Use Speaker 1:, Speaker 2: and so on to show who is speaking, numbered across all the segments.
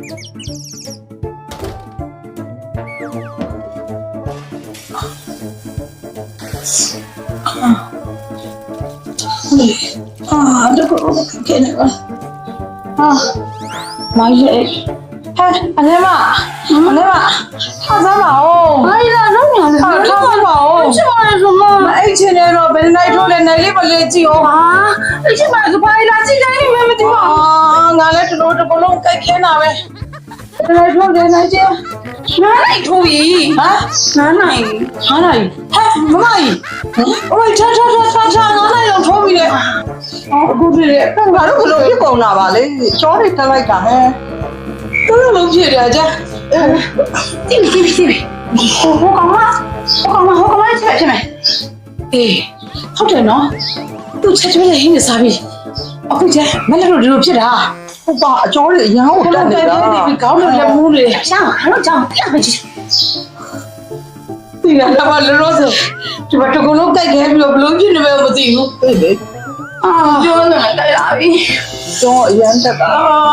Speaker 1: 这个给那个妈耶！阿奶妈，他咋嘛哦？
Speaker 2: 哎呀，这样
Speaker 1: 他咋嘛哦？
Speaker 2: 这玩意儿什么？
Speaker 1: 哎，前天咯，被奶头来奶里不来接哦。
Speaker 2: 啊，而且买个牌啦，这个你们没听吗？
Speaker 1: 啊，俺来这个龙该开哪呗？奶头来奶接，奶头伊啊？
Speaker 2: 哪来？
Speaker 1: 哪来？嗨，妈伊，喂，查，俺来用头伊嘞。အခုဖြစ်တယ်ငါတို့ဘလို့ဖြစ်ကုန်တာပါလေချောတွေတက်လိုက်တာဟဲ့တို့လုံးဖြစ်တယ်ကြာ
Speaker 2: တိဟိုကောင်မချက်ဖြစ်မယ်
Speaker 1: အေးဟုတ်တယ်နော်သူချက်ကျွေးတဲ့ဟင်းနေစားပြီအခုကျမလည်းတို့ဒီလိုဖြစ်တာဟုတ်ပါအကျော်တွေအရန်ကိုတက်နေတာကောင်းတယ်လက်မူးတွေ
Speaker 2: ရှောင်းဟာလို့ကြောင်းပြမယ်ကြည့်
Speaker 1: ဒီကလည်းမလို့လို့ဆိုဒီမှာတကူလုံးကြိုက်ခဲပြီးတော့ဘလို့ဖြစ်နေပဲမသိဘူးအေးလေ
Speaker 2: အာပြောနေတယ်လာပြီ
Speaker 1: ကျော်အရန်တက်တာ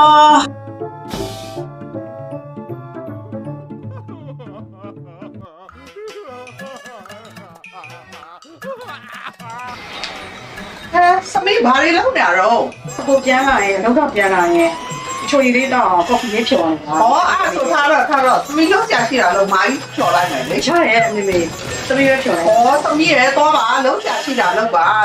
Speaker 3: သမီးဘာတွေလုပ်နေရတော့
Speaker 2: ကိုပြန်လာရင်တော့ပြန်လာရင်ချိုရီလေးတော့ကော်ဖီလေးဖြော်နေတာ
Speaker 3: ဟောအဲ့ဆိုထားတော့သမီးလုံးကြရှိတာလို့မာကြီးဖြော်လိုက်မယ်လေ
Speaker 2: ချရဲအမေသမီးရဖြော်လိုက်
Speaker 3: ဟောသမီးရဲသွားပါလုံးကြရှိတာလို့ပါ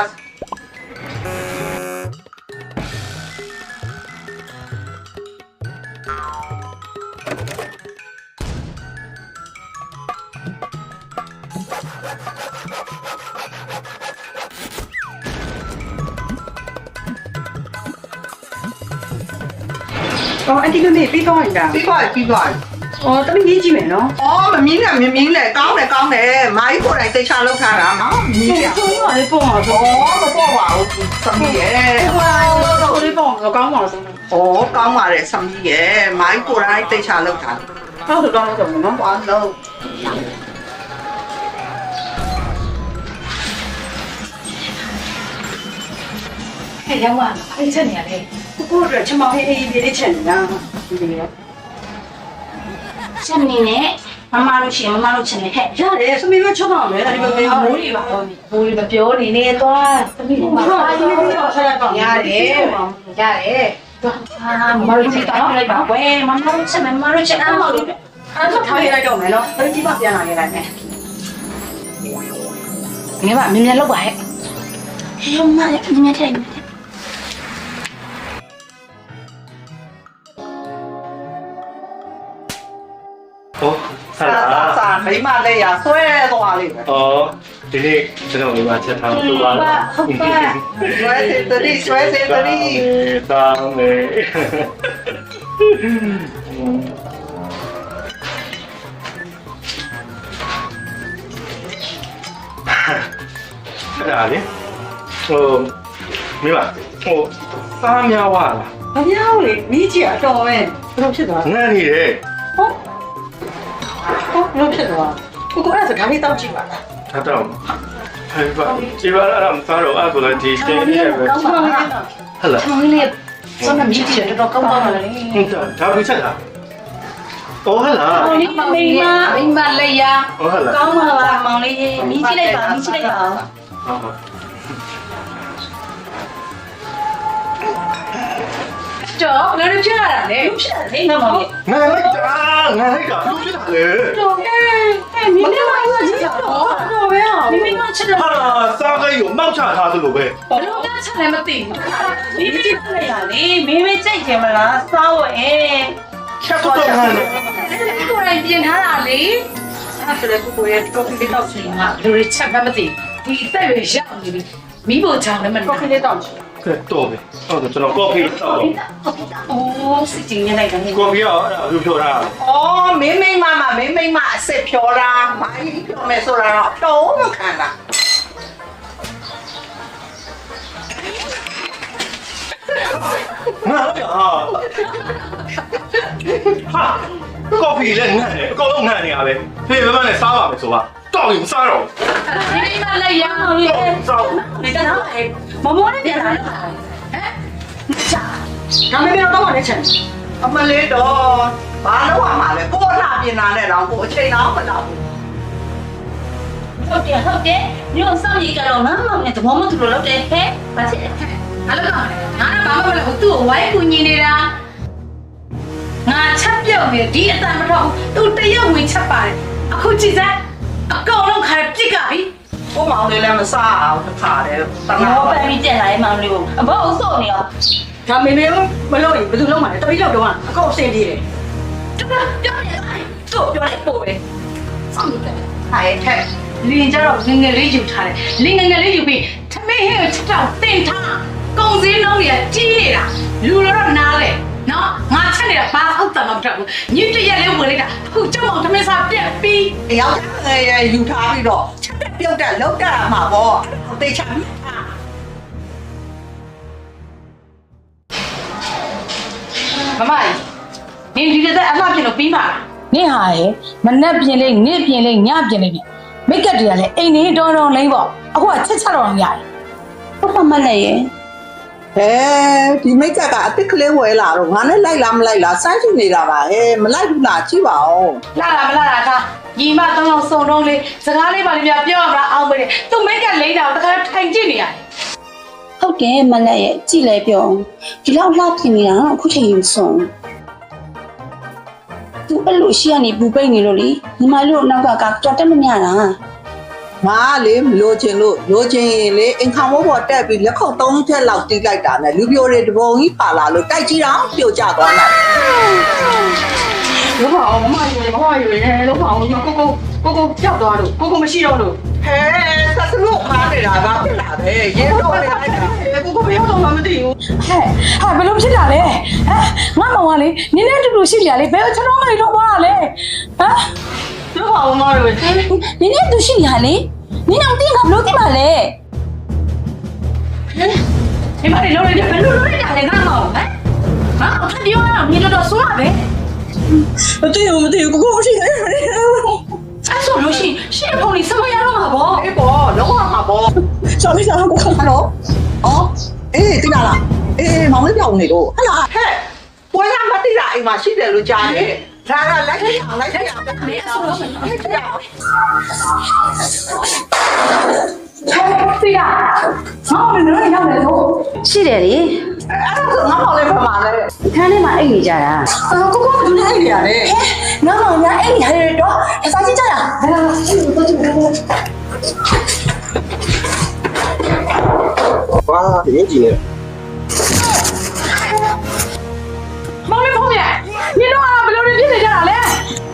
Speaker 2: အော်အန်တီမမေပြီးတော့နေတာ
Speaker 3: ပြီးသွား
Speaker 2: အော်သမီးကြီးကြည့်မယ်နော်
Speaker 3: อ๋อမမင်းနဲ့မင်းနဲ့ကောင်းတယ်မာကြီးကိုယ်တိုင်သိချလောက်ထားတာနော်မင်းရ
Speaker 2: ချိုးရလေးပေါ့အောင်ဆို
Speaker 3: ဩမပေါ့ပါဘူးသမီးရဲ
Speaker 2: ဟိုလေးပေါ့ကောင်းပါလို့ဆို
Speaker 3: ဩကောင်းပါတယ်သမီးရဲမာကြီးကိုယ်တိုင်သိချလောက်ထား
Speaker 2: ဟုတ်တော့တော့နော်
Speaker 3: ဘာလို့
Speaker 2: ဟဲ့ရောက်လာအဲ့ချက်နေရလေကိုတို့ချမောင်ဟေးအေးလေးချက်နေတာဒီလိုချက်နေနဲ့မမတို့ရှင်မမတို့ချက်နေဟဲ့ရတယ်သမီးတို့ချက်တော့မယ်ဒါဒီမမေမိုးတွေပါတော့မိုးတွေမပြောနေနဲ့သွားသမီးတို့မှာရတယ်အာမမတို့ချက်တော့လိုက်ပါကွယ်မမတို့ချက်မမတို့ချက်အားမလို့အဲ့တော့ထားရလိုက်တော့မယ်နော်အဲ့ဒီပါပြန်လာနေလိုက်မယ်ငါကမြင်မြင်လောက်ပါဟဲ့ဟဲ့မမမြင်မြင်ထိုင်
Speaker 4: ဟုတ်ဆလာ
Speaker 3: စာမိမလေးရဆွဲသွားလိမ့်မယ်
Speaker 4: อ๋อဒီနေ့ကျွန်တော်ဒီမှာချက်ထားလို့ပါလား
Speaker 2: ဟုတ်ပါ
Speaker 3: ဆွဲစေတရီ
Speaker 4: တောင်းလေအဲ့ဒါလေဟိုမိမဟိုစားများဝလား
Speaker 2: မပြောင်းလေမိကြီးအတော်ပဲဘယ်လိုဖြစ်သွား
Speaker 4: ငန်းနေတယ်
Speaker 2: ဟုတ်ဘယ်လိုဖြစ်သွားကိုအဲ့ဒါကလေးတောက်ကြည့်ပါလား
Speaker 4: ထားတော့ဟဲ့ပါဒီပါရမ်းစားတော့အဲ့ဒါလည်းဒီတင်းနေပဲ
Speaker 2: ကောင်းပါလား
Speaker 4: ဟဲ့လား
Speaker 2: ဆောင်းလေးစောင်းမိကြီးတော်တော်ကောင်းပါလား
Speaker 4: ဟုတ်တယ်ဒါဘူးချက်လား哦，好啦。
Speaker 2: မိမလေးရ
Speaker 4: 哦，好啦。
Speaker 2: ကောင်းပါလားမောင်လေးမိကြည့်လိုက်ပါ
Speaker 4: 好好。
Speaker 2: တော့ငါတို့ဖြစ်လာတာလေဖြစ်လာတယ်မောင်လေး
Speaker 4: 俺那个，俺那个，都是他的。
Speaker 2: တော့မိမလေးကြည့်တော့ပဲမိမချက်တော့
Speaker 4: 他三个有冒茶他的路呗。
Speaker 2: ဘလို့ကချက်လည်းမသိဘူးမိကြည့်လိုက်တာလေမိမကြိုက်ကြမလားစားဝဲ
Speaker 4: 吃不到俺的。
Speaker 2: ကိုယ်တိုင်ပြင်ထားတာလေအဲ့ဒါလည်းကိုရဲ့ကော်ဖီလေးတောက်ချင်မှာလူတွေချက်မှမသိဒီအသက်ရွယ်ရောက်နေပြီမိဖို့ချောင်းလည်းမကော်ဖီလေးတောက်ချင်
Speaker 4: 对，多呗。哦，这种高配到。
Speaker 2: အိုးစစ်ကျင်နေလိုက်တယ်
Speaker 4: 高配啊，又漂亮。
Speaker 3: ဩမင်းမအစ်စ်ဖြောတာမာကြီးဖြောမယ်ဆိုတာတော့ဖြောမခံတာ
Speaker 4: 俺那个啊。哈，高配嘞，俺嘞，高龙俺的啊呗。所以慢慢的杀吧，没说吧。到底杀肉。
Speaker 2: မိမလည်းရအောင်လေ
Speaker 4: 杀。
Speaker 2: 你在哪里？毛毛那边来了，哎，啥？咱们没有到我那城，
Speaker 3: အမလေးတော့ဘာလို့ရမှာလဲကိုလှပြင်လာနဲ့တော့ကိုအချိန်တော့မလောက်ဘူး
Speaker 2: ဟုတ်တယ်ညို့စောင့်ရကြတော့မမနဲ့သဘောမတူလို့လုပ်တယ်ဟဲ့ဘာဖြစ်လဲအဲ့လိုကောင်ငါကဘာမှမလုပ်ဘူးသူ့ကိုဝိုင်းကူညီနေတာငါချက်ပြုတ်နေဒီအတန်မထောက်သူတရက်ဝင်ချက်ပါတယ်အခုကြည့်စမ်းအကောင်လုံးခါပြစ်ကပြီ
Speaker 3: ကိုမောင်လေးလည်းမစားအောင်တစ်ခါတည်းတနာ
Speaker 2: မော
Speaker 3: ပါ
Speaker 2: ပန်ပြီးကျန်လာတဲ့မောင်လေးကိုအဘောအဆော့နေရော
Speaker 1: ဒါမေမေမလို့ရင်ဘယ်သူလုံးမှာလဲတပိလောက်တော့အကောက်အစင်ပြေးတယ်
Speaker 2: တူပြောနေတယ်သူ့ပြောလိုက်ပို့ပဲစောင့်နေတယ်
Speaker 3: ဟဲ့ဟဲ့
Speaker 2: လင်းကြတော့ငငယ်လေးယူထားတယ်လင်းငငယ်လေးယူပြီးထမင်းဟဲ့ကိုချက်တော့တင်ထားကုံစင်းလုံးတွေကကြီးနေတာလူတော့နားလေနော်ငါချက်နေတာဘာဟုတ်တယ်မဟုတ်ဘူးညစ်တရက်လေးဝင်လိုက်တာအခုကြောက်အောင်ထမင်းစားပြက်ပြီး
Speaker 3: ယောက်ျားငယ်ရယူထားပြီးတော့ချက်တက်ပြုတ်တက်လောက်တက်မှာပေါ့တေချာပြီး
Speaker 2: မမကြီးနင်ဒီတဲ့အလှပြင်လို့ပြီးပါလား
Speaker 5: နင့်ဟာရဲ့မနှက်ပြင်လေးနေ့ပြင်လေးညပြင်လေးနဲ့မိတ်ကပ်တွေကလည်းအိမ်နေတော်တော်လိမ့်ပေါ့အခုကချက်ချက်တော်ရတယ်
Speaker 1: ဟုတ်ပါမလဲရဲ့
Speaker 3: ဟဲဒီမိတ်ကအစ်စ်ကလေးဝဲလာတော့ငါနဲ့လိုက်လားမလိုက်လားစမ်းကြည့်နေတာပါဟဲမလိုက်ဘူးလားကြည့်ပါဦး
Speaker 2: လာတာမလာတာဒါညီမတောင်းအောင်စုံတော့လေးစကားလေးပါလေးများပြောရမလားအောင်မေးသူ့မိတ်ကလိမ့်တာကိုတခါထိုင်ကြည့်နေရတယ်
Speaker 1: ဟုတ်တယ်မလဲရဲ့ကြည့်လဲပြောဒီလောက်လှပြင်နေတာတော့အခုချိန်ယူဆုံးသူအဲ့လိုရှိရနေပူပိတ်နေလို့လေညီမတို့နောက်ကကြော်တက်မမြတာ
Speaker 3: ငါလေမလို့ချင်လို့လိုချင်ရင်လေအင်ခေါင်ဘောပေါ်တက်ပြီးလက်ခုပ်သုံးချက်လောက်တီးလိုက်တာနဲ့လူပြိုတွေတပုံကြီးပါလာလို့တိုက်ကြည့်တော့ပြိုကျသွားတယ်
Speaker 1: လောပါအောင်မမယူရေလောပါအောင်ကိုကြောက်သွားလို့ကိုမရှိတော့လို့
Speaker 3: ဟဲဆက်စလို့ခါနေတာကဖြစ်လာတယ်ရေတော့နေလိုက်တာ
Speaker 1: ကိုမရောက်တော့မှမသိဘူး
Speaker 5: ဟဲ့ဟာဘယ်လိုဖြစ်လာလဲဟမ်ငါမောင်ကလေနင်းနဲ့တူတူရှိကြလေဘယ်ကျွန်တော်မလေးတော့ပါလဲဟမ်
Speaker 1: လောပါအောင်မရဘူး
Speaker 5: နင်းနဲ့တူရှိရလေနင်းအောင်တင်းကဘယ်လိုသိပါလဲ
Speaker 2: ဒီမလေးလုံးလိုက်တယ်ဘယ်လိုလုပ်လိုက်တာလဲငါ့မောင်ဟမ်ဟာအခါပြောရအောင်ညီတော်ဆိုးရပဲ
Speaker 1: မသိဘူးကိုမရှိတယ်
Speaker 2: အဲ့ဆိုလို့ရှိရင်ဖုန်းလေးစမရတော့မှာပေါ့
Speaker 3: အေးပေါ့လုံးဝမှာပေါ့
Speaker 1: ချောင်းလေးစားကို
Speaker 3: ဟယ်လိုအော်အေးတင်လာလားအေးမောင်လေးပြောင်းနေလို့ဟဲ့လားဟဲ့ပွဲရမတိတာအိမ်မှာရှိတယ်လို့ကြားတယ်ဒါကလိုက်ရအောင်လိုက်ရအောင်
Speaker 2: မင်းအဆိုလို့ရှိရင်
Speaker 3: လိုက်ရအောင်
Speaker 5: သိရမောင်လည်းလည်းရောက်တယ်လို့
Speaker 1: ရှိတယ်လေ
Speaker 3: အဲ့ဒါဆိုငါမောင်လေးပါမှာလေ
Speaker 1: ခန်းထဲမှာအိတ်နေကြတာ
Speaker 3: ကိုကဘူးနေအိမ်ရတယ်
Speaker 5: ငါမောင်များအဲ့ဒီဟာတွေတော့အစားကြီးကြတာဘယ်လိုလဲတော့ကြည့်မယ်
Speaker 4: 哇，年纪呢？
Speaker 5: မောင်လေးဖုန်းပြန်နင်တို့ကဘယ်လိုဖြစ်နေကြတာလဲ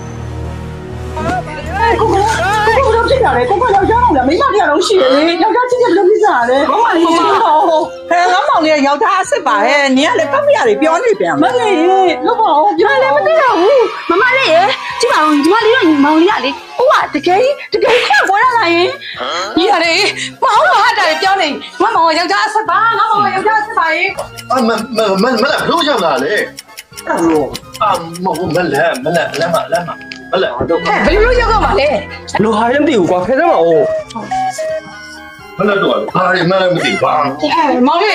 Speaker 5: ကိုတော့ဖြစ်တာလေကိုယောက်ျားတော့မိမတရားလုံးရှိတယ်လေယောက်ျားချင်းချင်းဘယ်လိုဖြစ်ကြတာလဲ
Speaker 3: မမလေးဟဲ့ငါမောင်လေးယောက်ျားအစ်စ်ပါဟဲ့နင်ကလည်းကပ်ပြရတယ်ပြောနေပြန်
Speaker 5: မလေးလောက်ပါအောင်ပြောလည်းမသိတော့ဘူးမမလေးရေကြည့်ပါဦးဒီမလေးတော့မောင်လေးကလေဟိုကတကယ်ခွက်ပေါ်လာလာရင်ညီရတယ်မဟုတ်တော့ဟာတာပြောနေငါမောင်ကယောက်ျားအဆက်ပါငါမောင်ကယောက်ျားအဆက်ပါရင်
Speaker 4: 啊，没来，不像哪嘞？
Speaker 3: အဲ့လို
Speaker 4: 啊，没来嘛，没来，都
Speaker 5: ဟဲ့ဘယ်လိုလုပ်ရောက်မှာလဲ
Speaker 6: လိုဟာရင်မသိဘူးကွာခဲစမ်းပါဦး
Speaker 4: 没来多少，啊，没来没地方。
Speaker 5: မောင်လေး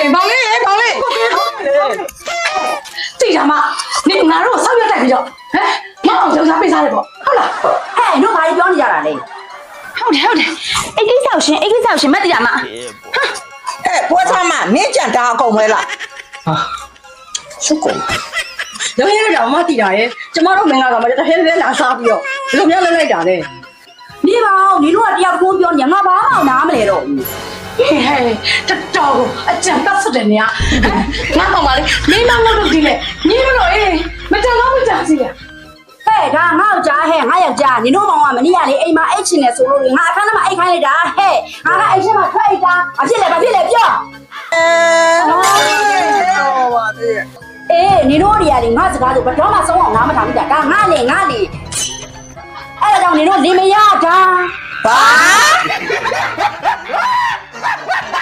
Speaker 5: သိတာမနေငါတို့ဆောက်ရက်တက်ပြီးတော့ဟမ်မအောင်ယောက်ျားပေးစားတယ်ပေါ့ဟုတ်လား
Speaker 1: ဟဲ့တို့ဘာပြောနေကြတာလဲ
Speaker 5: ဟုတ်တယ်အိတ်ကိစ္စရှင်မတ်တရားမ
Speaker 3: ဟဲ့ပွဲစားမနင်းကြံတာအကုန်ပဲလား
Speaker 1: စုကုန်လုံးရတော့မသိတာရဲ့ကျမတို့မင်္ဂလာကမှတဟဲလဲလာစားပြီးတော့ဘယ်လိုများလဲလိုက်တာလဲ
Speaker 5: နေပါဦးနေတို့ကတရားကိုပြောနေငါဘာမှနားမလဲတော့ဘူးဟဲ့တော်ကိုအကြံပတ်ဆက်တယ်နေငါမှမလေးနေမငုတ်လို့ဒီလေညီမလို့အေးမတန်တော့မကြစီရ
Speaker 1: ဟဲ့ဒါငါ့ကြားဟဲ့ငါယောက်ျားနင်တို့မောင်ကမနေ့ကလေအိမ်မှာအိတ်ချင်တယ်ဆိုလို့ငါအခန်းထဲမှာအိတ်ခိုင်းလိုက်တာဟဲ့ငါကအိတ်ထဲမှာထွက်အိတ်တာဘာဖြစ်လဲပြော
Speaker 3: ဟောပါသေး
Speaker 1: အေးနင်တို့တွေကလေငါစကားဆိုဘယ်တော့မှဆုံးအောင်ငါမထားဘူးဒါငါလေအဲ့ဒါကြောင့်နင်တို့နေမရတာ
Speaker 3: ဘာ